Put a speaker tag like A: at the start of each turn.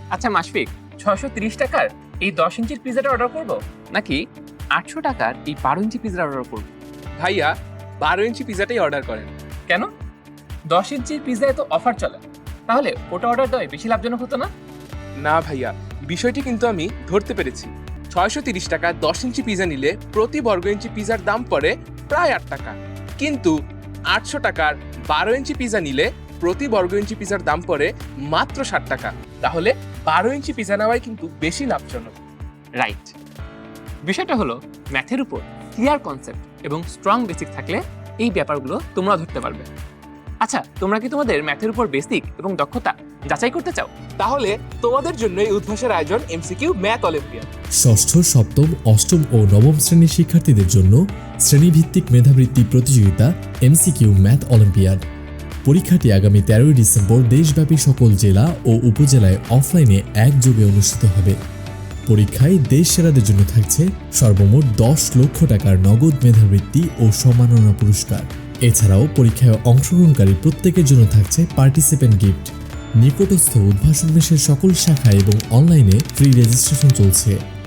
A: আচ্ছা মাশফিক, 630 টাকার এই 10 ইঞ্চির পিজাটা অর্ডার করব নাকি 800 টাকার এই 12 ইঞ্চি পিজাটা অর্ডার করব?
B: ভাইয়া 12 ইঞ্চি পিজাটাই অর্ডার করেন।
A: কেন? 10 ইঞ্চির পিজায় তো অফার চলে, তাহলে ওটা অর্ডার দেওয়াই বেশি লাভজনক হতো না?
B: না ভাইয়া, বিষয়টি কিন্তু আমি ধরতে পেরেছি। 630 টাকা 10 ইঞ্চি পিজা নিলে প্রতি বর্গ ইঞ্চি পিজার দাম পড়ে প্রায় 8 টাকা, কিন্তু 800 টাকার 12 ইঞ্চি পিজা নিলে প্রতি বর্গ ইঞ্চি পিজার দাম পড়ে মাত্র 60 টাকা। তাহলে 12 ইঞ্চি পিজা নেওয়াই কিন্তু বেশি লাভজনক।
A: রাইট। বিষয়টা হলো ম্যাথের উপর ক্লিয়ার কনসেপ্ট এবং স্ট্রং বেসিক থাকলে এই ব্যাপারগুলো তোমরা ধরতে পারবে। আচ্ছা, তোমরা কি তোমাদের ম্যাথের উপর বেসিক এবং দক্ষতা যাচাই করতে চাও?
B: তাহলে তোমাদের জন্য এই উদ্ভাসের আয়োজন এমসিকিউ ম্যাথ অলিম্পিয়াড।
C: ষষ্ঠ, সপ্তম, অষ্টম ও নবম শ্রেণীর শিক্ষার্থীদের জন্য শ্রেণীভিত্তিক মেধাবৃত্তি প্রতিযোগিতা এমসিকিউ ম্যাথ অলিম্পিয়াড। পরীক্ষাটি আগামী 13 ডিসেম্বর দেশব্যাপী সকল জেলা ও উপজেলায় অফলাইনে একযোগে অনুষ্ঠিত হবে। পরীক্ষায় দেশ সেরাদের জন্য থাকছে সর্বমোট 10 লক্ষ টাকার নগদ মেধাবৃত্তি ও সম্মাননা পুরস্কার। এছাড়াও পরীক্ষায় অংশগ্রহণকারী প্রত্যেকের জন্য থাকছে পার্টিসিপেন্ট গিফট। নিকটস্থ উদ্ভাসন মেশের সকল শাখা এবং অনলাইনে ফ্রি রেজিস্ট্রেশন চলছে।